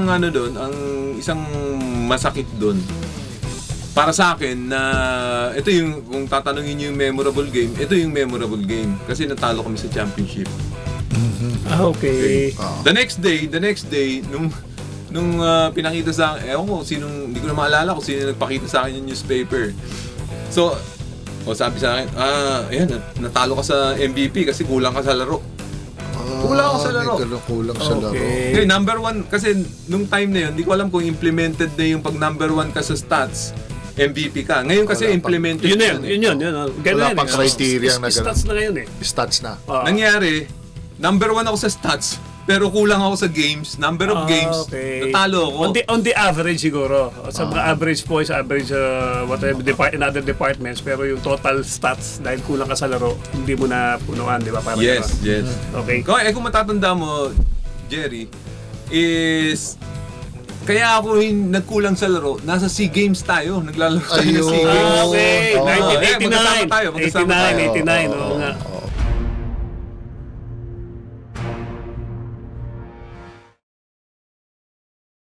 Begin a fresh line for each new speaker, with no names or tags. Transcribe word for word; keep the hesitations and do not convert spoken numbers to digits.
ang ano doon, ang isang masakit doon. Para sa akin na ito yung kung tatanungin niyo yung memorable game, ito yung memorable game kasi natalo kami sa championship.
Ah, okay.
Ah.
The next day, the next day nung nung uh, pinakita sa akin, ewan ko sinong hindi ko na maalala kung sino nagpakita sa akin yung newspaper. So, o sabi sa akin, ah, ayan, nat- natalo ka sa M V P kasi kulang ka sa laro. Kulang ako sa laro.
Kulang, kulang sa laro.
Okay.
Okay, number one, kasi nung time na yun, hindi ko alam kung implemented na yung pag number one ka sa stats, M V P ka. Ngayon kasi
Wala pa.
implemented
Yun na
na
yun,
eh.
yun yun. yun. Ganun
Wala
yan,
pang
eh.
criteria
Is-
na
is-
ganun.
Stats na ngayon eh.
Stats na.
Ah.
Nangyari, number one ako sa stats, pero kulang ako sa games, number of
Ah,
games,
okay.
natalo ako.
On the, on the average siguro. Sa mga average points, average uh, whatever depart in other departments, pero yung total stats dahil kulang ka sa laro, hindi mo na punuan, di ba? Parang
Yes,
gano'n.
yes.
Okay.
Kung, eh, kung matatanda mo, Jerry, is kaya ako yung nagkulang sa laro, nasa SEA Games tayo, naglalaro tayo ng SEA
Ayun.
Games.
Ah, okay.
Oo.
nineteen
Eh, magkasama
eighty-nine.
tayo, magkasama
eighty-nine,
tayo.
eighty-nine.
Oo,
Oo nga.
oo.